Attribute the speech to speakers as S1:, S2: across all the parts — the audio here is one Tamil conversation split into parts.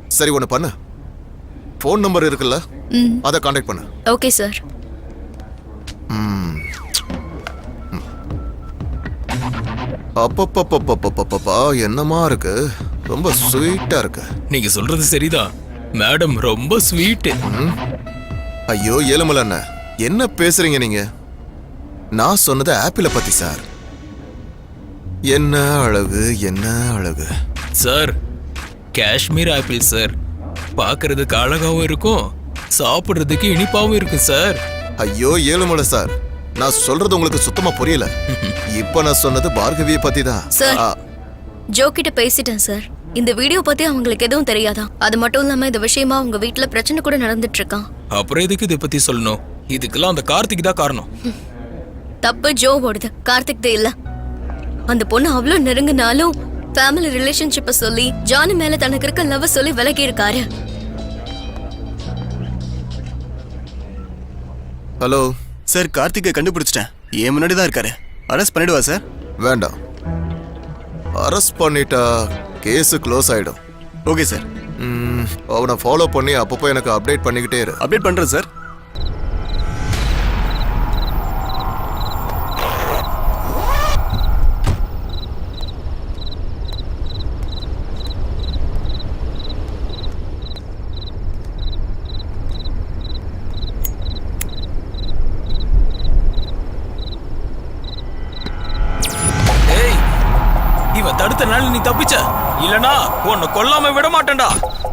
S1: சரி ஒன்று பண்ணு, ஃபோன் நம்பர் இருக்குல்ல, அதை கான்டாக்ட் பண்ணு.
S2: Okay sir.
S1: அப்பப்பப்பப்பப்பப்பா, என்னமா இருக்கு, ரொம்ப ஸ்வீட்டா இருக்கு.
S3: நீங்க சொல்றது சரிதான் மேடம், ரொம்ப ஸ்வீட்.
S1: ஐயோ ஏழுமலை அண்ணன், என்ன பேசுறீங்க நீங்க? நான் சொன்னது ஆப்பிளை பத்தி சார். என்ன அழகு, என்ன அழகு
S3: சார். Kashmir apple sir. பார்க்கிறதுக்கு அழகாவும் இருக்கும், சாப்பிடுறதுக்கு இனிப்பாவும் இருக்கும் சார்.
S1: ஐயோ ஏழுமலை சார், நான் சொல்றது உங்களுக்கு சுத்தமா புரியல. இப்ப நான் சொன்னது பார்கவியை பத்தி தான்
S2: சார். ஜோ கிட்ட பேசிட்டேன் சார். இந்த வீடியோ பத்தி அவங்களுக்கு எதுவும் தெரியாதா? அது மட்டும் இல்லாம இந்த விஷயமா உங்க வீட்டுல பிரச்சனை கூட நடந்துட்டு இருக்கான்.
S3: அப்புறம் எதுக்கு இதை பத்தி சொல்லணும்? இதுக்கெல்லாம் அந்த கார்த்திக் தான் காரணம்.
S2: தப்பு ஜோவோடது, கார்த்திக் இல்ல. அந்த பொண்ணு அவ்வளவு நெருங்கினாலும் ஃபேமிலி ரிலேஷன்ஷிப்பை சொல்லி ஜானி மேல தனக்கு இருக்க லவ் சொல்லி விலகி இருக்காரு.
S1: ஹலோ
S4: சார், கார்த்திகை கண்டுபிடிச்சிட்டேன். ஏன் முன்னாடி தான் இருக்காரு. அரெஸ்ட் பண்ணிடுவா சார்?
S1: வேண்டாம், அரெஸ்ட் பண்ணிட்டா கேஸ் க்ளோஸ் ஆயிடும்.
S4: Okay sir.
S1: அவனை ஃபாலோ பண்ணி அப்பப்போ எனக்கு அப்டேட் பண்ணிக்கிட்டே இரு.
S4: அப்டேட் பண்றேன் சார்.
S3: இவன் தடுத்த நாள் நீ தப்பிச்ச, இல்லனா உன்னை கொல்லாம விட மாட்டேன்டா.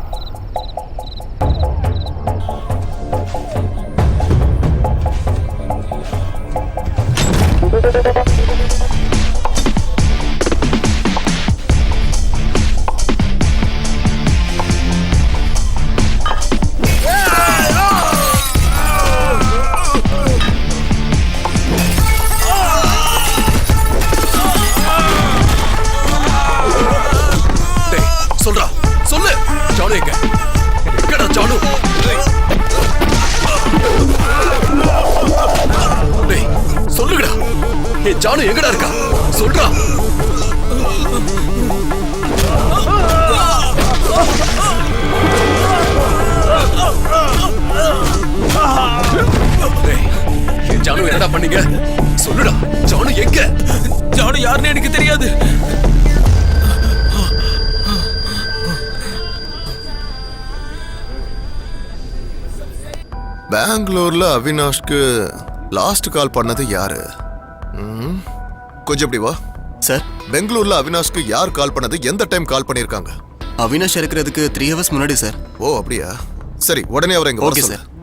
S4: சொல்றா, சொல்லு. ஜானு எங்க? எங்கடா ஜானு? டேய் சொல்லுங்கடா, ஏ ஜானு எங்கடா இருக்கா? சொல்றா. டேய், ஏ ஜானு என்னடா பண்ணீங்க? சொல்லுடா, ஜானு எங்க?
S3: ஜானு யாருன்னு எனக்கு தெரியாது.
S1: பெங்களூர்ல அவினாஷ்க்கு லாஸ்ட் கால் பண்ணது யாரு? கொஞ்சம் இப்படி வா
S4: சார்.
S1: பெங்களூர்ல அவினாஷ்க்கு யார் கால் பண்ணது, எந்த டைம் கால் பண்ணிருக்காங்க?
S4: அவினாஷ் இருக்கிறதுக்கு 3 hours முன்னாடி சார்.
S1: ஓ அப்படியா, சரி உடனே அவரை இங்க வர
S4: ஓகே
S1: சொல்லு.
S4: சார்.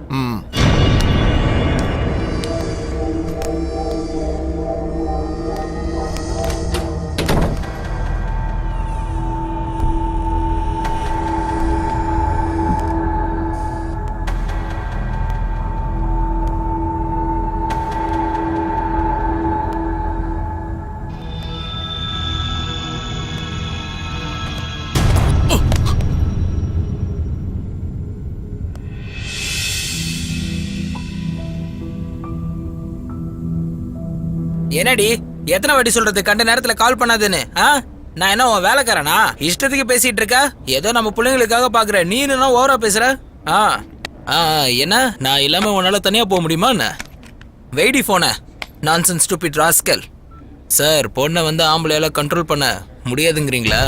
S5: என்னடி எத்தனை வாட்டி சொல்றது கண்ட நேரத்துல கால் பண்ணாதுன்னு? நான் என்ன உன் வேலைக்காரனா? இஷ்டத்துக்கு பேசிட்டு இருக்க. ஏதோ நம்ம பிள்ளைங்களுக்காக பாக்குற, நீ என்ன ஓவரா பேசுற? என்ன நான் இல்லாம உன்னால தனியா போக முடியுமா என்ன? வெயிடி போன நான்சென்ஸ் ஸ்டூபிட் ராஸ்கல். சார், பொண்ணை வந்து ஆம்பளையால கண்ட்ரோல் பண்ண முடியாதுங்கிறீங்களா?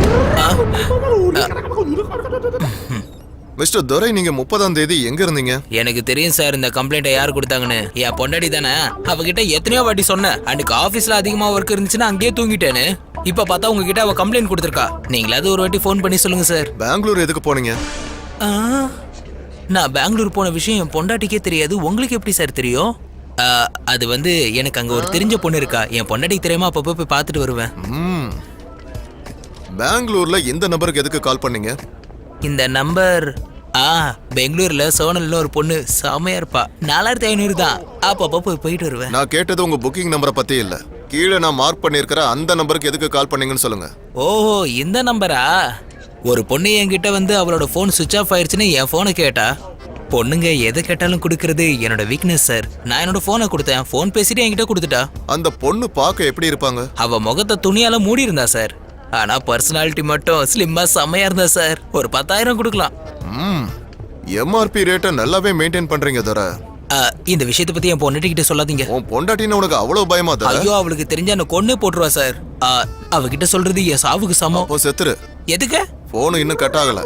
S1: மிஸ்டர் துரை, நீங்க 30ஆம் தேதி எங்க இருந்தீங்க?
S5: எனக்கு தெரியும் சார் இந்த கம்ப்ளைண்ட்டை யார் கொடுத்தாங்கன்னு. என் பொண்டாடி தானே. அவகிட்ட எத்தனையோ வாட்டி சொன்னேன். அன்னைக்கு ஆஃபீஸ்ல அதிகமா ஒர்க் இருந்துச்சுன்னா அங்கேயே தூங்கிட்டேன்னு. இப்ப பார்த்தா உங்ககிட்ட அவ கம்ப்ளைண்ட் கொடுத்துருக்கா. நீங்களாவது ஒரு வாட்டி ஃபோன் பண்ணி சொல்லுங்க சார்.
S1: பெங்களூர் எதுக்கு போனீங்க?
S5: நான் பெங்களூர் போன விஷயம் என் பொண்டாட்டிக்கே தெரியாது. உங்களுக்கு எப்படி சார் தெரியும்? அது வந்து எனக்கு அங்க ஒரு தெரிஞ்ச பொண்ணு இருக்கா. என் பொண்டாட்டிக்கு தெரியாம அப்பப்போ போய் பார்த்துட்டு வருவேன்.
S1: பெங்களூர்ல இந்த நம்பருக்கு எதுக்கு கால் பண்ணீங்க?
S5: இந்த நம்பர் பெங்களூர்ல சோனல்ல ஒரு பொண்ணு செமையா இருப்பா. 4500 தான். அப்பப்போ போயிட்டு வருவேன்.
S1: நான் கேட்டது உங்க புக்கிங் நம்பரை பத்தி இல்ல. கீழே நான் மார்க் பண்ணிருக்கிற அந்த நம்பருக்கு எதுக்கு கால் பண்ணீங்கன்னு சொல்லுங்க.
S5: ஓஹோ, இந்த நம்பரா? ஒரு பொண்ணு என்கிட்ட வந்து அவளோட போன் சுவிட்ச் ஆஃப் ஆயிடுச்சுன்னு என் போனை கேட்டா. பொண்ணுங்க எதை கேட்டாலும் கொடுக்கறது என்னோட வீக்னஸ் சார். நான் என்னோட போனை கொடுத்தேன். போன் பேசிட்டு என்கிட்ட கொடுத்துட்டா.
S1: அந்த பொண்ணு பார்க்க எப்படி இருப்பாங்க?
S5: அவ முகத்தை துணியால மூடி இருந்தா சார். ஆனா பர்சனாலிட்டி மட்டும் ஸ்லிம்மா செம்மையா இருந்தா சார். ஒரு 10,000 கொடுக்கலாம்.
S1: எம்ஆர்பி ரேட்டை நல்லாவே மெயின்டைன் பண்றீங்க தர.
S5: இந்த விஷயத்தை பத்தி என் பொண்ணுகிட்ட சொல்லாதீங்க.
S1: உன் பொண்டாட்டின்னு உனக்கு அவ்வளவு பயமா தர?
S5: ஐயோ, அவளுக்கு தெரிஞ்சா என்ன கொன்னே போட்டுருவா சார். அவகிட்ட சொல்றது என் சாவுக்கு சமம்.
S1: அப்போ செத்துரு.
S5: எதுக்கு?
S1: போன் இன்னும் கட் ஆகல.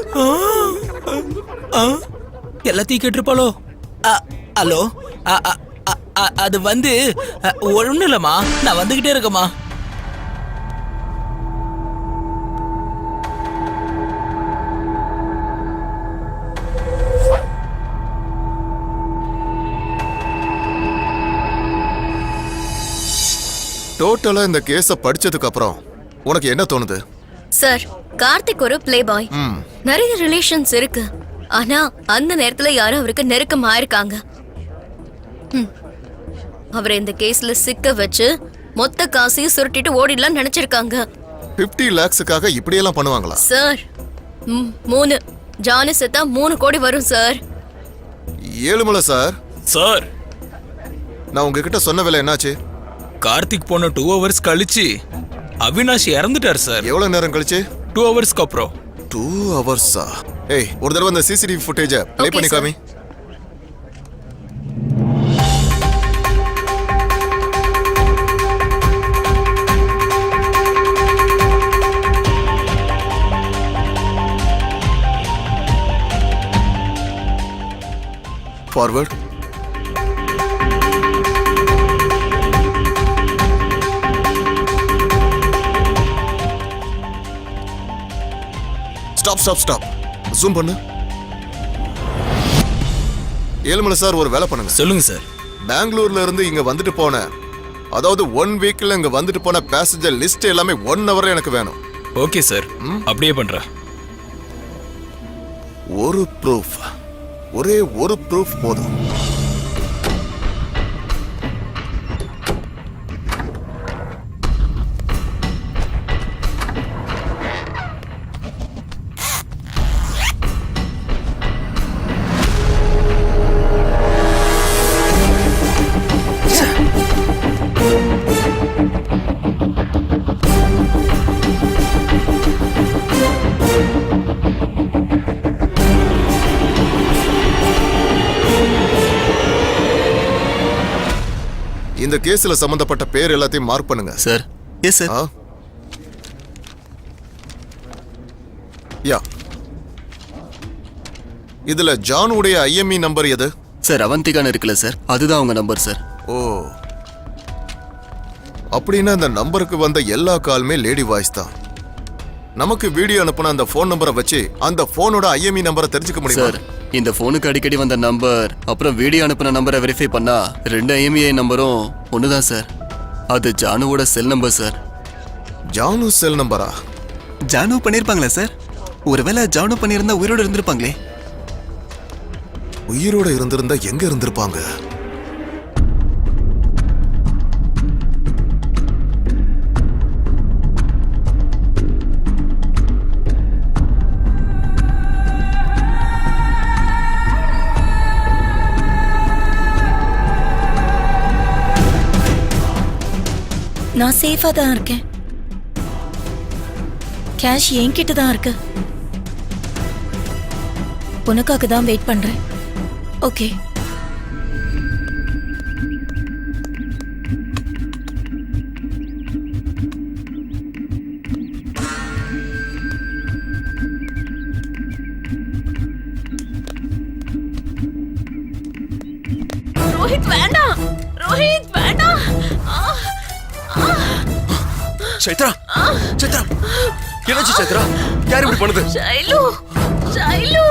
S5: எல்லாத்தையும் கேட்டிருப்பாளோ? ஹலோ, அது வந்து ஒண்ணும் இல்லம்மா, நான் வந்துகிட்டே இருக்கேம்மா.
S1: டோட்டலா இந்த கேஸ படிச்சதுக்கு அப்புறம் உனக்கு என்ன தோணுது?
S2: சார், கார்த்திக் ஒரு பிளே பாய். நிறைய ரிலேஷன்ஸ் இருக்கு. ஆனா அந்த நேரத்துல யாரும் அவருக்கு நெருக்கமா இருக்காங்க. அவரை இந்த கேஸ்ல சிக்க வச்சு மொத்த காசையும் சுருட்டிட்டு ஓடிடலாம் நினைச்சிருக்காங்க.
S1: 50 lakhsக்காக இப்படியெல்லாம் பண்ணுவாங்களா?
S2: சார், 3 ஜானு செத்தா 3 கோடி வரும் சார்.
S1: ஏழுமலை சார்.
S3: சார்,
S1: நான் உங்ககிட்ட சொன்ன வேலை என்னாச்சு?
S3: கார்த்திக் போன 2 hours கழிச்சு அவினாஷ் இறந்துட்டார் சார்.
S1: எவ்வளவு நேரம் கழிச்சு?
S3: 2 hours அப்புறம்.
S1: 2 hours-ஆ? ஏய், ஒரு தடவை அந்த சிசிடிவி ஃபுட்டேஜ ப்ளே
S2: Okay,
S1: பண்ணி
S2: sir.
S1: காமி. Forward. Stop stop stop. Zoom பண்ணு. ஏழுமலை சார், ஒரு வேலை பண்ணுங்க.
S3: சொல்லுங்க சார்.
S1: பெங்களூர்ல இருந்து இங்க வந்துட்டு போன, அதாவது 1 weekல இங்க வந்துட்டு போன பேசஞ்சர் லிஸ்ட் எல்லாமே 1 hour எனக்கு வேணும்.
S3: ஓகே சார், அப்படியே பண்றேன்.
S1: ஒரு ப்ரூஃப், ஒரே ஒரு ப்ரூஃப் போதும். இந்த கேஸ்ல சம்பந்தப்பட்ட பேர் எல்லாத்தையும் மார்க் பண்ணுங்க.
S6: சார். Yes sir.
S1: யா. இதுல ஜான் உடைய ஐஎம்இ நம்பர் எது?
S6: சார், அவந்திகான்னு இருக்குல்ல சார், அதுதான் உங்க நம்பர் சார்.
S1: ஓ, அப்படின்னா அந்த நம்பருக்கு வந்த எல்லா காலுமே லேடி வாய்ஸ் தான். நமக்கு வீடியோ அனுப்புன அந்த ஃபோன் நம்பரை வச்சு அந்த ஃபோனோட ஐஎம்இ நம்பரை தெரிஞ்சுக்க முடியும்
S6: சார். இந்த ஃபோனுக்கு அடிக்கடி வந்த நம்பர் அப்புறம் வீடியோ அனுப்புன நம்பரை வெரிஃபை பண்ணா 2 IMEI நம்பரும் ஒண்ணுதான் சார். அது ஜானுவோட cell number sir.
S1: Janu cell நம்பரா?
S6: ஜானு பண்ணிருப்பாங்களா சார்? ஒருவேளை ஜானு பண்ணியிருந்தா உயிரோட இருந்திருப்பாங்களே.
S1: உயிரோட இருந்திருந்தா எங்க இருந்திருப்பாங்க?
S7: நான் சேஃபா தான் இருக்கேன். கேஷ் என்கிட்ட தான் இருக்கு. உனக்காக தான் வெயிட் பண்றேன். ஓகே.
S2: ரோஹித் வேண்டாம், ரோஹித் வேண்டாம்.
S4: சைத்ரா, சைத்ரா, என்னாச்சு சைத்ரா? யார் இப்படி பண்ணுது?
S2: ஷைலு, ஷைலு,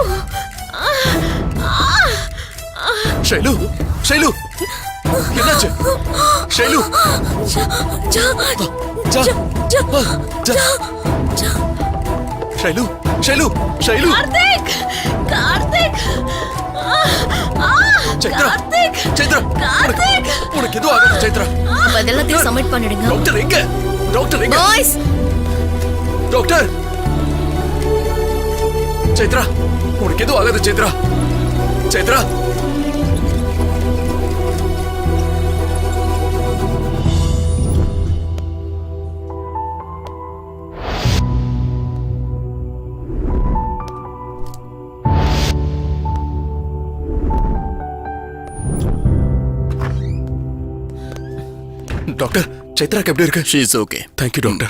S4: ஷைலு, ஷைலு, என்னாச்சு? ஷைலு, ஜா, ஜா, ஷைலு, ஷைலு, ஷைலு,
S2: கார்த்திக், கார்த்திக்,
S4: சைத்ரா, சைத்ரா, உனக்கு எதுவும் ஆகாது சைத்ரா.
S2: எல்லாத்தையும் சப்மிட் பண்ணிடுங்க.
S4: டாக்டர் எங்க? டாக்டர் எங்க?
S2: பாய்ஸ்,
S4: டாக்டர், சைத்ரா, உனக்கு எதுவும் ஆகாது சைத்ரா. சைத்ரா, டாக்டர் சைத்ராக்கு எப்படி இருக்கு?
S6: She is okay.
S4: Thank you doctor.